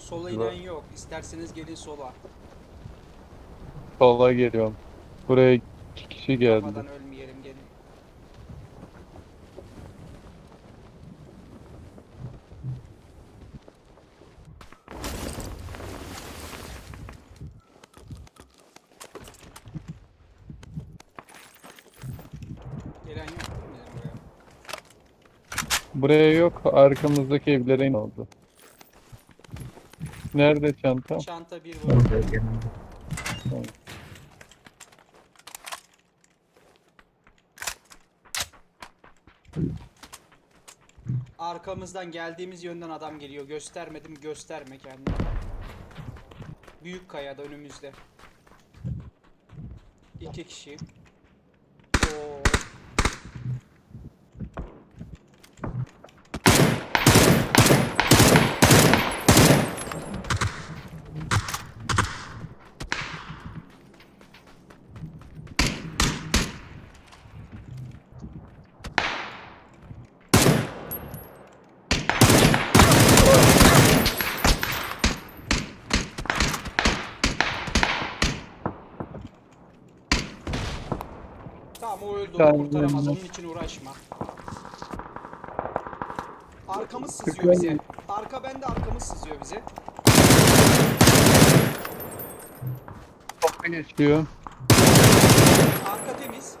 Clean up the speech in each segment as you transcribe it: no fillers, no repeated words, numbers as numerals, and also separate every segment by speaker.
Speaker 1: Sola inen yok. İsterseniz gelin sola.
Speaker 2: Sola geliyorum. Buraya 2 kişi geldi.
Speaker 1: Kafadan ölmeyelim, gelin. Gelen yok değil mi bizim buraya?
Speaker 2: Buraya yok. Arkamızdaki evlere in oldu. Nerede çanta?
Speaker 1: Çanta bir
Speaker 3: Orada
Speaker 1: vurdu.
Speaker 3: yanımda.
Speaker 2: Tamam.
Speaker 1: Arkamızdan geldiğimiz yönden adam geliyor. Göstermedim, gösterme kendini. Büyük kayada önümüzde. 2 kişi. Oo. Tamam, o öldü, onu kurtaramaz. Onun için uğraşma. Arkamız sızıyor bize. Arka bende, arkamız sızıyor bize.
Speaker 2: Kapı geçiyor.
Speaker 1: Arka temiz.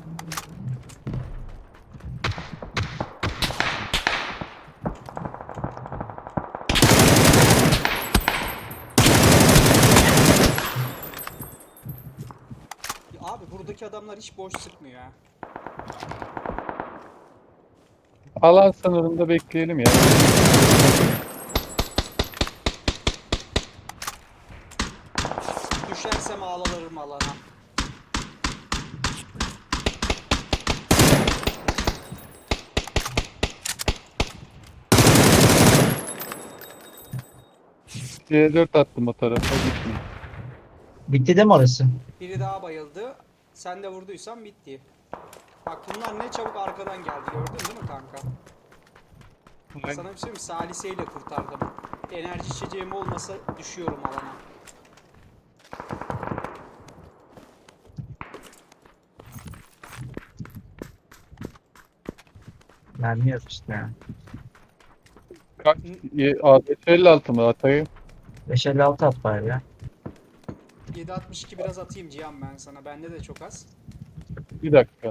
Speaker 1: Ya abi buradaki adamlar hiç boş sıkmıyor ha.
Speaker 2: Alan sınırında bekleyelim ya.
Speaker 1: Düşersem ağlarım alana.
Speaker 2: C4 attım o tarafa gitmiyor.
Speaker 3: Bitti de mi orası?
Speaker 1: Biri daha bayıldı. Sen de vurduysan bitti. Bak bunlar ne çabuk arkadan geldi, gördün değil mi kanka? Sana bir şey mi? Saliseyle kurtardım. Enerji içeceğim olmasa düşüyorum alana.
Speaker 3: Mermi yok işte ya.
Speaker 2: Kaç? 56 mı atayım?
Speaker 3: 556 at bari ya.
Speaker 1: 7.62 biraz atayım Cihan ben sana. Bende de çok az.
Speaker 2: Bir dakika.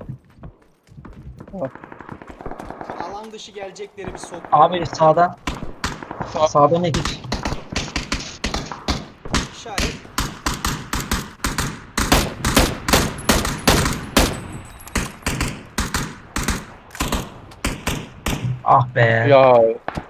Speaker 1: Alan dışı gelecekleri bir sok.
Speaker 3: Abi sağdan.
Speaker 2: Sağ-
Speaker 3: Sağdan iki kişi.
Speaker 1: İşaret.
Speaker 3: Ah be.
Speaker 2: Ya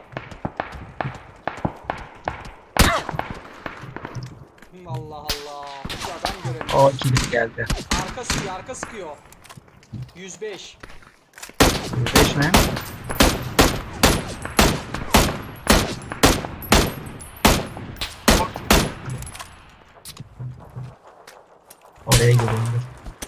Speaker 1: Allah Allah. Bu adam göremiyor.
Speaker 3: O ikilik geldi.
Speaker 1: Arka sıkıyor, arka sıkıyor. 105.
Speaker 3: 5 mi? Oraya gidiyorum. Dur.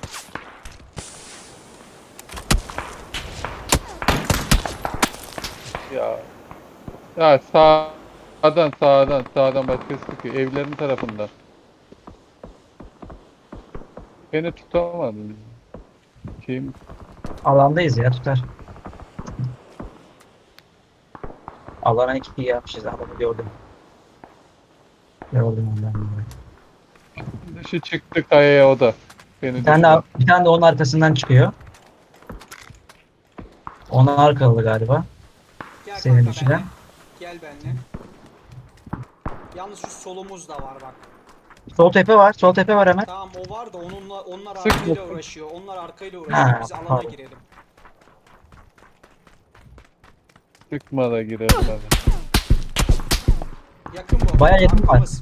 Speaker 2: ya. Ya sağdan başkası sıkıyor. Evlerin tarafından. Beni tutamadı. Kim?
Speaker 3: Alandayız ya, tutar. Alana 2 yapmışız, adamı gördüm. Gördüm ondan dolayı.
Speaker 2: Dışı çıktı kayaya o da. Beni
Speaker 3: Bir tane
Speaker 2: düşürdü.
Speaker 3: bir tane de onun arkasından çıkıyor. Ona arkalı galiba.
Speaker 1: Gel
Speaker 3: Seni
Speaker 1: kanka
Speaker 3: düşüren.
Speaker 1: benimle. Gel benimle. Yalnız şu solumuz da var bak.
Speaker 3: Sol tepe var. Sol tepe var hemen.
Speaker 1: Tamam, o var da onlar
Speaker 2: Sıkma.
Speaker 1: arkayla uğraşıyor. Onlar arkayla uğraşıyor.
Speaker 3: Ha,
Speaker 1: Biz alana
Speaker 3: pardon.
Speaker 1: girelim.
Speaker 2: Çıkma da girelim hadi.
Speaker 1: Yakın bu.
Speaker 3: Bayağı yakın var.
Speaker 1: Arkamız.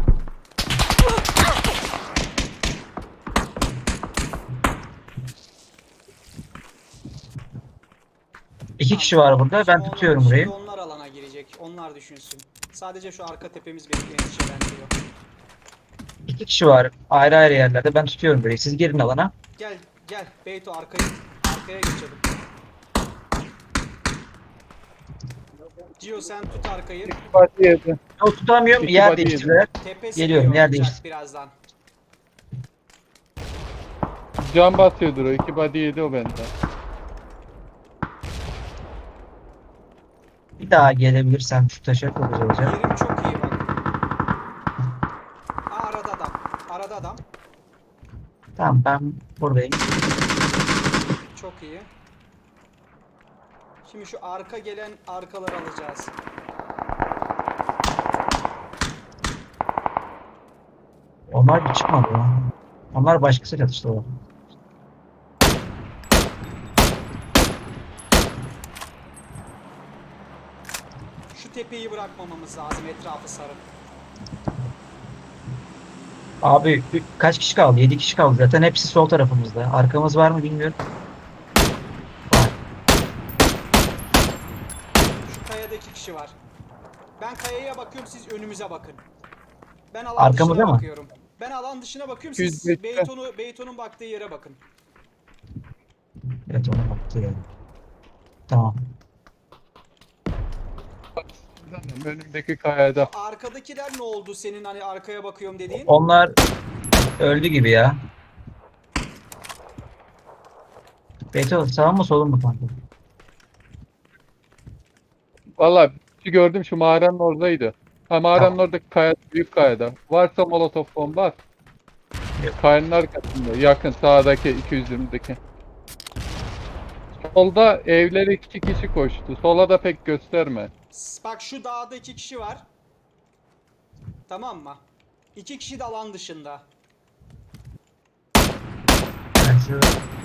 Speaker 3: İki kişi var burada. Ben
Speaker 1: Şimdi
Speaker 3: tutuyorum
Speaker 1: şimdi
Speaker 3: burayı.
Speaker 1: onlar alana girecek. Onlar düşünsün. Sadece şu arka tepemiz beni endişelendiriyor.
Speaker 3: İki kişi var. Ayrı ayrı yerlerde. Ben tutuyorum burayı. Siz girin alana.
Speaker 1: Gel gel Beyto, arkaya geçelim. Cio sen tut arkayı.
Speaker 2: İki body yedi.
Speaker 3: Yok tutamıyorum.
Speaker 2: İki
Speaker 3: Yer
Speaker 2: body
Speaker 3: değiştirdiler.
Speaker 1: Tepe
Speaker 3: Geliyorum,
Speaker 1: sıkıyor
Speaker 3: yer
Speaker 1: olacak
Speaker 3: değiştir.
Speaker 1: birazdan.
Speaker 2: Can batıyordur o. İki body yedi o benden.
Speaker 3: Bir daha gelebilirsem şu taşa çok güzel olacak.
Speaker 1: Yerim çok iyi bak. Aa, arada adam. Arada adam.
Speaker 3: Tamam ben buradayım.
Speaker 1: Çok iyi. Şimdi şu arka gelen arkaları alacağız.
Speaker 3: Onlar bir çıkmadı ya. Onlar başkası çatıştı o.
Speaker 1: Şu tepeyi bırakmamamız lazım, etrafı sarıp.
Speaker 3: Abi kaç kişi kaldı? 7 kişi kaldı zaten. Hepsi sol tarafımızda. Arkamız var mı bilmiyorum. Var.
Speaker 1: Şu kayada 2 kişi var. Ben kayaya bakıyorum, siz önümüze bakın. Ben alan
Speaker 3: Arkamıza
Speaker 1: dışına
Speaker 3: mı?
Speaker 1: bakıyorum. Ben alan dışına bakıyorum, siz
Speaker 2: 200 metre.
Speaker 1: Beyton'un baktığı yere bakın.
Speaker 3: Evet ona baktı yani. Tamam.
Speaker 2: Önümdeki kayada.
Speaker 1: Arkadakiler ne oldu senin hani arkaya bakıyorum dediğin?
Speaker 3: Onlar öldü gibi ya. Beto sağ mı solun mu kanka?
Speaker 2: Valla bir gördüm şu mağaranın oradaydı. Ha mağaranın
Speaker 3: Tamam.
Speaker 2: oradaki kaya, büyük kayada. Varsa molotof bomba at.
Speaker 3: Yok.
Speaker 2: Kayanın arkasında. Yakın sağdaki 220'deki. Solda evlere 2 kişi koştu. Sola da pek gösterme.
Speaker 1: Bak şu dağda 2 kişi var. Tamam mı? 2 kişi de alan dışında.
Speaker 3: Ben şu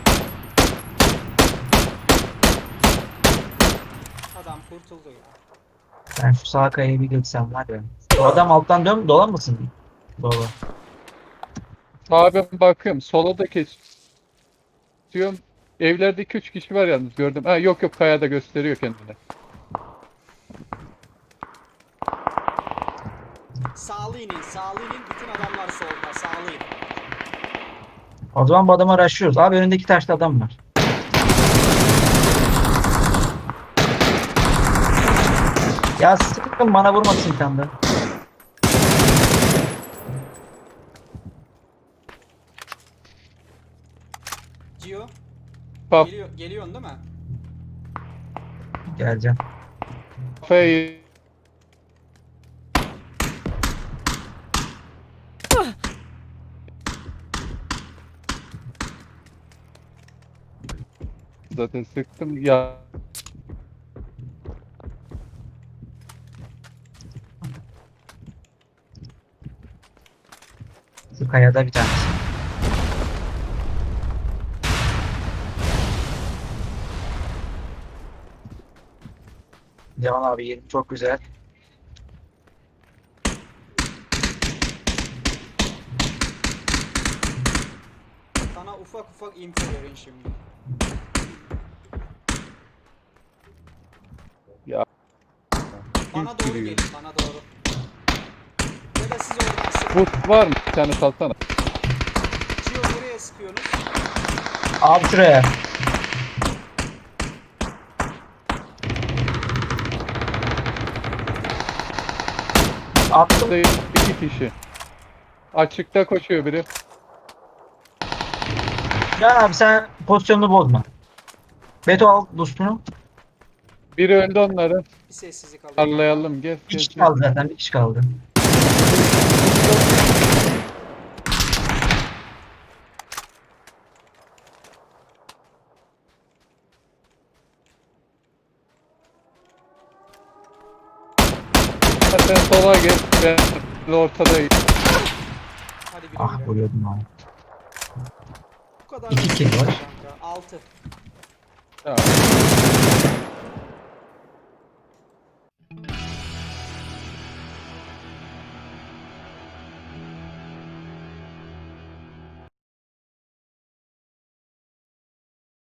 Speaker 1: Adam kurtuldu ya.
Speaker 3: Ben şu sağ kayaya bir geçsem var ya. O adam alttan dolanmasın. Baba.
Speaker 2: Sağa ben bakıyorum. Sola da kesiyorum. Evlerde 2-3 kişi var yalnız gördüm. Ha yok yok kayada gösteriyor kendini.
Speaker 1: Sağlı inin, sağlı inin. Bütün adamlar solda, sağlı inin.
Speaker 3: O zaman bu adamı araştırıyoruz. Abi önündeki taşta adam var. Ya sıkın bana vurmasın bir tane de.
Speaker 1: Cio,
Speaker 2: Kaf-
Speaker 1: geliyorsun değil mi?
Speaker 3: Geleceğim.
Speaker 2: Kafayı zaten sıktım ya.
Speaker 3: Şu kayada bir tanesi. Cemal abi yerim çok güzel.
Speaker 1: Sana ufak ufak info verin şimdi.
Speaker 2: Ya.
Speaker 1: Bana doğru
Speaker 2: giriyor.
Speaker 1: gelin, bana doğru. Ya da siz oradan sıkın.
Speaker 2: Boost var mı? Bir tane salsana.
Speaker 1: Cio nereye sıkıyorsunuz?
Speaker 3: Abi şuraya. Attım.
Speaker 2: Burada 2 kişi. Açıkta koşuyor biri.
Speaker 3: Can abi sen pozisyonunu bozma. Beto al dostunu.
Speaker 2: Biri öldü onları.
Speaker 1: Bir sessizlik alayım.
Speaker 2: Parlayalım gel
Speaker 3: Bir
Speaker 2: gel
Speaker 3: kişi
Speaker 2: gel.
Speaker 3: kaldı zaten. Bir kişi kaldı.
Speaker 2: Sen sola gel. Ben ortadayım.
Speaker 1: Hadi güle
Speaker 3: Ah
Speaker 1: güle.
Speaker 3: vuruyordum abi.
Speaker 1: Bu kadar.
Speaker 3: İki kill var.
Speaker 1: Kanka. 6.
Speaker 2: Tamam.